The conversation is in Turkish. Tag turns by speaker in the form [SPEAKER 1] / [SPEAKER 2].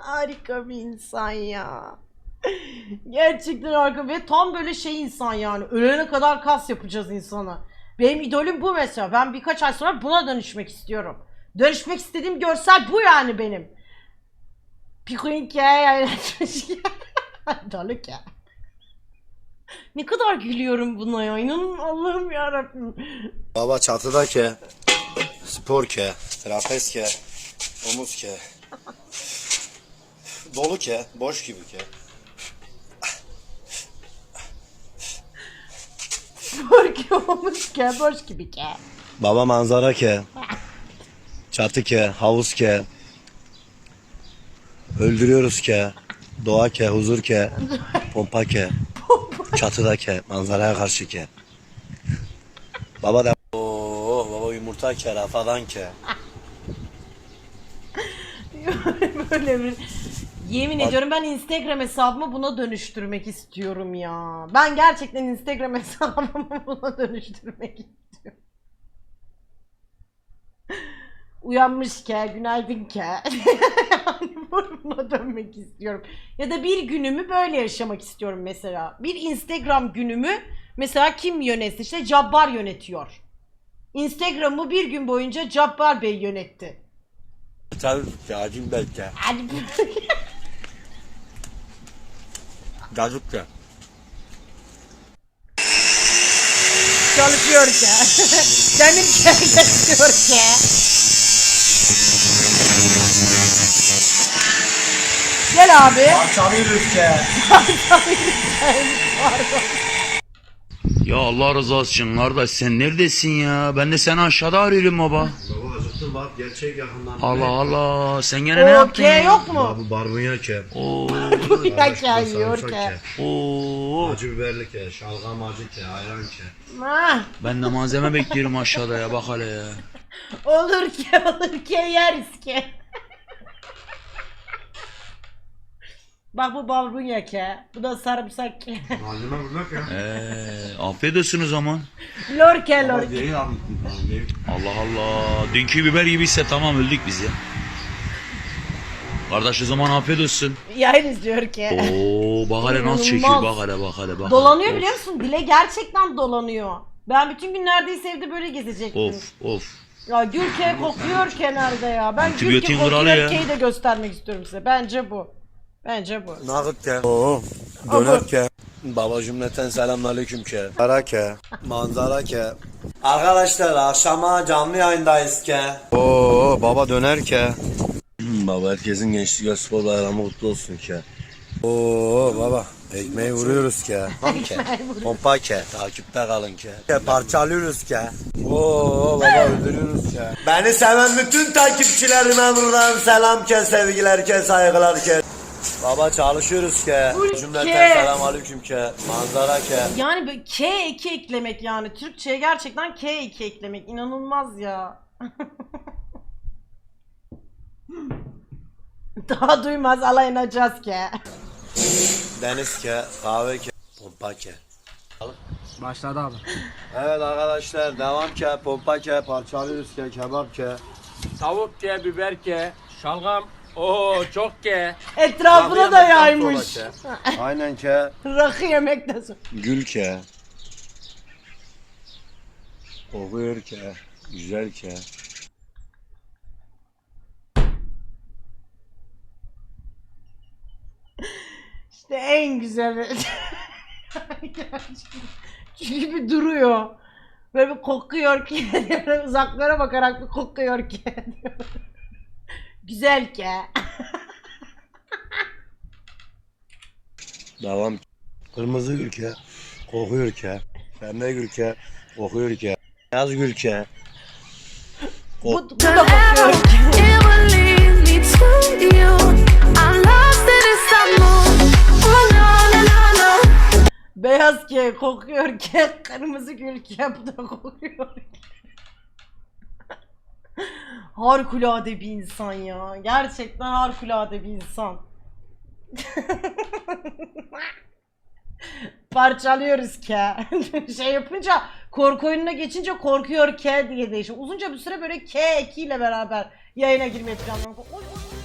[SPEAKER 1] Harika bir insan ya. Gerçekten harika ve tam böyle şey insan yani. Ölene kadar kas yapacağız insana. Benim idolüm bu mesela. Ben birkaç ay sonra buna dönüşmek istiyorum. Dönüşmek istediğim görsel bu yani benim. Pikuinke yayınlatmış. Dalık ya. Ne kadar gülüyorum buna ya. İnanın Allah'ım yarabbim.
[SPEAKER 2] Baba çatıda ke, spor ke, trapez ke, omuz ke, dolu ke, boş gibi ke.
[SPEAKER 1] Borki olmuş ke, boş gibi ke.
[SPEAKER 2] Baba manzara ke, çatı ke, havuz ke, öldürüyoruz ke, doğa ke, huzur ke, pompa ke, çatıda ke, manzaraya karşı ke. Baba da baba yumurta ke, rafadan ke.
[SPEAKER 1] Böyle bir... Yemin ediyorum ben Instagram hesabımı buna dönüştürmek istiyorum ya. Ben gerçekten Instagram hesabımı buna dönüştürmek istiyorum. Uyanmış ke, günaydın ke. Yani buna dönmek istiyorum. Ya da bir günümü böyle yaşamak istiyorum mesela. Bir Instagram günümü mesela kim yönetsin? İşte Cabbar yönetiyor. Instagram'ı bir gün boyunca Cabbar Bey yönetti.
[SPEAKER 2] Tabii cacim belki.
[SPEAKER 1] Hadi
[SPEAKER 2] Cacık ke.
[SPEAKER 1] çalışıyor ki. Demir çalışıyor ki. Gel abi.
[SPEAKER 2] Parçalıyoruz ke.
[SPEAKER 3] Ya Allah rızası için kardeş sen neredesin ya? Ben de seni aşağıda arıyorum baba.
[SPEAKER 2] Baba acıktım bak gerçek yakından.
[SPEAKER 3] Allah Allah sen gene ne yaptın
[SPEAKER 1] Okey
[SPEAKER 3] ya?
[SPEAKER 1] yok mu?
[SPEAKER 2] Bu barbunya ke.
[SPEAKER 3] Oo.
[SPEAKER 1] Ya ke yiyor ki.
[SPEAKER 3] Oo.
[SPEAKER 2] Acı biberli ke, şalgam acı ke, ayran ke.
[SPEAKER 1] Ha,
[SPEAKER 3] Ben de malzeme bekliyorum aşağıda ya bak hele ya.
[SPEAKER 1] olur ki yeriz ki. Bak bu barbunya ki. Bu da sarımsak ki.
[SPEAKER 2] Malzeme burada ke.
[SPEAKER 3] Afiyet olsun o zaman.
[SPEAKER 1] Lorke.
[SPEAKER 3] Allah Allah. Dünkü biber gibiyse tamam öldük biz ya. Kardeş o zaman afiyet olsun.
[SPEAKER 1] Yayın izliyor ki.
[SPEAKER 3] Oo bak hele nasıl çekiyor
[SPEAKER 1] İnanılmaz.
[SPEAKER 3] bak hele bak hele bak.
[SPEAKER 1] Dolanıyor
[SPEAKER 3] hele.
[SPEAKER 1] biliyor musun? Dile gerçekten dolanıyor. Ben bütün gün neredeyse evde böyle gezecektim.
[SPEAKER 3] Of.
[SPEAKER 1] Ya Gülke kokuyor kenarda ya. Ben
[SPEAKER 3] Antibiyotin
[SPEAKER 1] Gülke
[SPEAKER 3] kralı ya.
[SPEAKER 1] kokuyorkeyi de göstermek istiyorum size. Bence bu.
[SPEAKER 2] Nağıt ke. Oo. Döner ke. Baba cümleten selamünaleyküm ke. Para ke. Manzara ke. Arkadaşlar akşama canlı yayındayız ke. Oo baba döner ke. Baba herkesin gençlik ve spor bayramı kutlu olsun ke. Oo baba ekmeği vuruyoruz ke. Ham ke. Pompa ke. Takipte kalın ke. Parçalıyoruz ke. Oo baba öldürüyoruz ke. Beni seven bütün takipçilerime buradan selam ke, sevgiler ke, saygılar ke. Baba çalışıyoruz ke.
[SPEAKER 1] Ülke.
[SPEAKER 2] Cümleten selamünaleyküm ke. Manzara ke.
[SPEAKER 1] Yani böyle K2 eklemek yani. Türkçe'ye gerçekten K2 eklemek. İnanılmaz ya. Daha duymaz alayınacağız ki.
[SPEAKER 2] Deniz ke. Kahve ke. Pompa ke.
[SPEAKER 4] Başladı abi.
[SPEAKER 2] Evet arkadaşlar devam ke. Pompa ke. Parçalıyoruz ke. Kebap ke.
[SPEAKER 4] Tavuk ke, biber ke, şalgam. Oo çok ke.
[SPEAKER 1] Etrafına da yaymış.
[SPEAKER 2] Aynen ke.
[SPEAKER 1] Rakı yemekten sonra.
[SPEAKER 2] Gül ke. Kokuyor ke. Güzel ke.
[SPEAKER 1] İşte en güzeli. Çünkü bir duruyor. Böyle bir kokuyor ki. Uzaklara bakarak bir kokuyor ki. Güzel ki.
[SPEAKER 2] Devam. Kırmızı gül ke. Kokuyor ke. Pembe gül ke. Kokuyor ke. Beyaz gül ke.
[SPEAKER 1] Bu da kokuyor ki.
[SPEAKER 5] It will lead me to you. I'm lost in this mood. Oh no, no, no, no.
[SPEAKER 1] Beyaz ki, kokuyor ki, kırmızı gül ki, bu da kokuyor ki. Harikulade bir insan ya. Gerçekten harikulade bir insan. Parçalıyoruz ki. Şey yapınca, korku oyununa geçince korkuyor ki diye değişiyor. Uzunca bir süre böyle K2 ile beraber yayına girmeyi planlıyorum. Oy, oy.